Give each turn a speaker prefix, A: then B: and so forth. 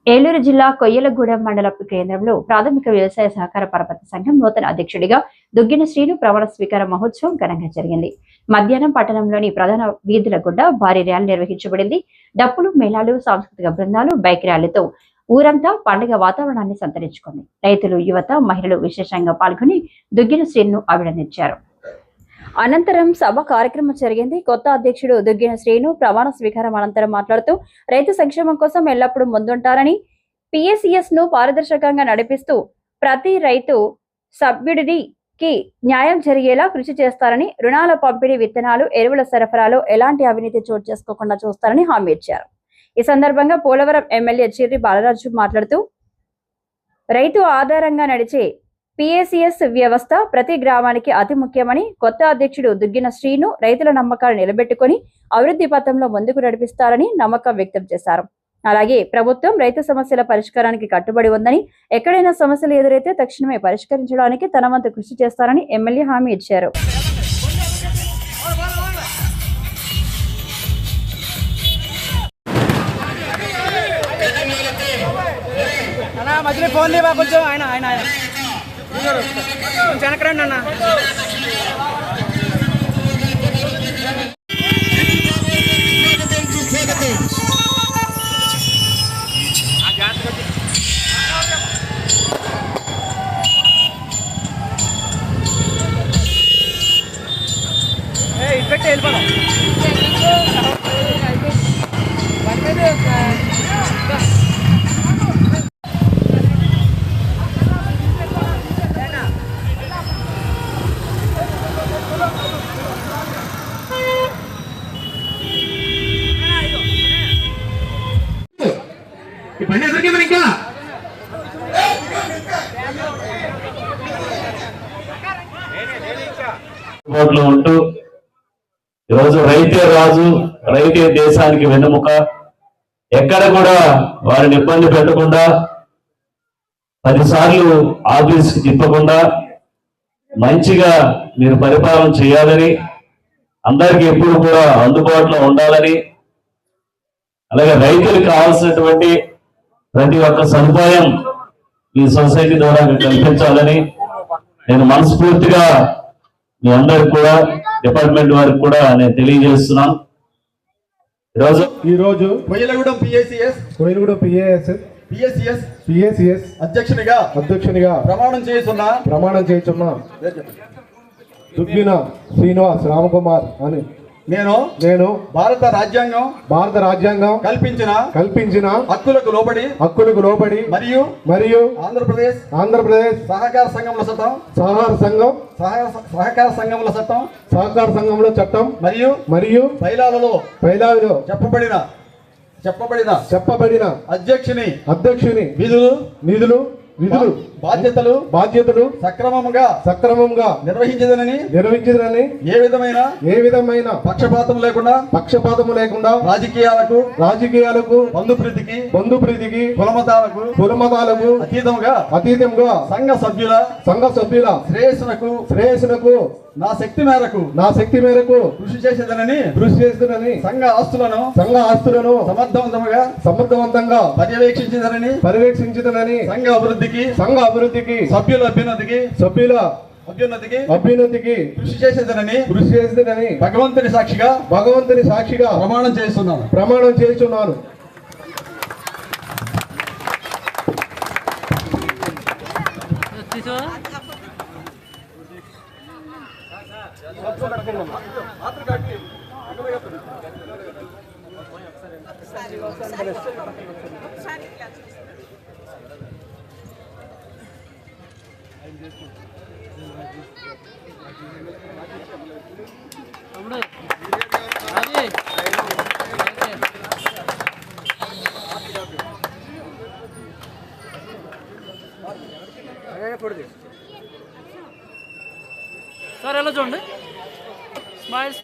A: ఏలూరు జిల్లా కొయ్యలగూడెం మండల కేంద్రంలో ప్రాథమిక వ్యవసాయ సహకార పరపతి సంఘం నూతన అధ్యక్షుడిగా దుగ్గిన శ్రీను ప్రమాణ స్వీకార మహోత్సవం ఘనంగా జరిగింది. మధ్యాహ్నం పట్టణంలోని ప్రధాన వీధుల గుండా భారీ ర్యాలీ నిర్వహించబడింది. డప్పులు, మేళాలు, సాంస్కృతిక బృందాలు, బైక్ ర్యాలీతో ఊరంతా పండుగ వాతావరణాన్ని సంతరించుకుంది. రైతులు, యువత, మహిళలు విశేషంగా పాల్గొని దుగ్గిన శ్రీను అభినందించారు. అనంతరం సభ కార్యక్రమం జరిగింది. కొత్త అధ్యక్షుడు దుగ్గిన శ్రీను ప్రమాణ స్వీకారం అనంతరం మాట్లాడుతూ రైతు సంక్షేమం కోసం ఎల్లప్పుడూ ముందుంటారని, పిఎస్సిఎస్ ను పారదర్శకంగా నడిపిస్తూ ప్రతి రైతు సభ్యుడికి న్యాయం జరిగేలా కృషి చేస్తారని, రుణాల పంపిణీ, విత్తనాలు, ఎరువుల సరఫరాలో ఎలాంటి అవినీతి చోటు చేసుకోకుండా చూస్తారని హామీ ఇచ్చారు. ఈ సందర్భంగా పోలవరం ఎమ్మెల్యే చిర్రి బాలరాజు మాట్లాడుతూ రైతు ఆధారంగా నడిచే పిఎస్సిఎస్ వ్యవస్థ ప్రతి గ్రామానికి అతి ముఖ్యమని, కొత్త అధ్యక్షుడు దుగ్గిన శ్రీను రైతుల నమ్మకాలు నిలబెట్టుకుని అభివృద్ధి పథంలో ముందుకు నడిపిస్తారని నమ్మకం వ్యక్తం చేశారు. అలాగే ప్రభుత్వం రైతు సమస్యల పరిష్కారానికి కట్టుబడి ఉందని, ఎక్కడైనా సమస్యలు ఎదురైతే తక్షణమే పరిష్కరించడానికి తన వంతు కృషి చేస్తారని ఎమ్మెల్యే హామీ ఇచ్చారు.
B: వెనకరండి అన్న. ఇటు పెట్టి వెళ్ళిపోదాం.
C: ఇంకా ఉంటూ ఈరోజు రైతే రాజు, రైతే దేశానికి వెన్నెముక, ఎక్కడ కూడా వారిని ఇబ్బంది పెట్టకుండా, 10 సార్లు ఆఫీస్కి తిప్పకుండా మంచిగా మీరు పరిపాలన చేయాలని, అందరికీ ఎప్పుడు కూడా అందుబాటులో ఉండాలని, అలాగే రైతులకు కావాల్సినటువంటి ప్రతి ఒక్క సదుపాయం ఈ సొసైటీ ద్వారా కల్పించాలని నేను మనస్ఫూర్తిగా మీ అందరికి కూడా, డిపార్ట్మెంట్ వారికి కూడా నేను తెలియజేస్తున్నాను.
D: ఈరోజు కొయ్యలగూడెం పిఎస్సిఎస్ అధ్యక్షునిగా ప్రమాణం చేస్తున్నా దుగ్గిన శ్రీనివాస్ రామకుమార్ అని నేను భారత రాజ్యాంగం కల్పించిన హక్కులకు లోబడి మరియు ఆంధ్రప్రదేశ్ సహకార సంఘముల చట్టం మరియు బైలాలలో చెప్పబడిన అధ్యక్షుని విధులు బాధ్యతలు సక్రమంగా నిర్వహించదనని ఏ విధమైన పక్షపాతం లేకుండా రాజకీయాలకు బంధుప్రీతికి కులమతాలకు అతీతంగా సంఘ సభ్యుల శ్రేయస్సునకు నా శక్తి మేరకు కృషి చేసేదనని సంఘ ఆస్తులను సమర్థవంతంగా పర్యవేక్షించదనని సంఘ అభివృద్ధికి సభ్యుల అభ్యున్నతికి కృషి చేసేదనని భగవంతుని సాక్షిగా ప్రమాణం చేస్తున్నాను.
B: సార్ ఎలా చూడండి స్మైల్స్.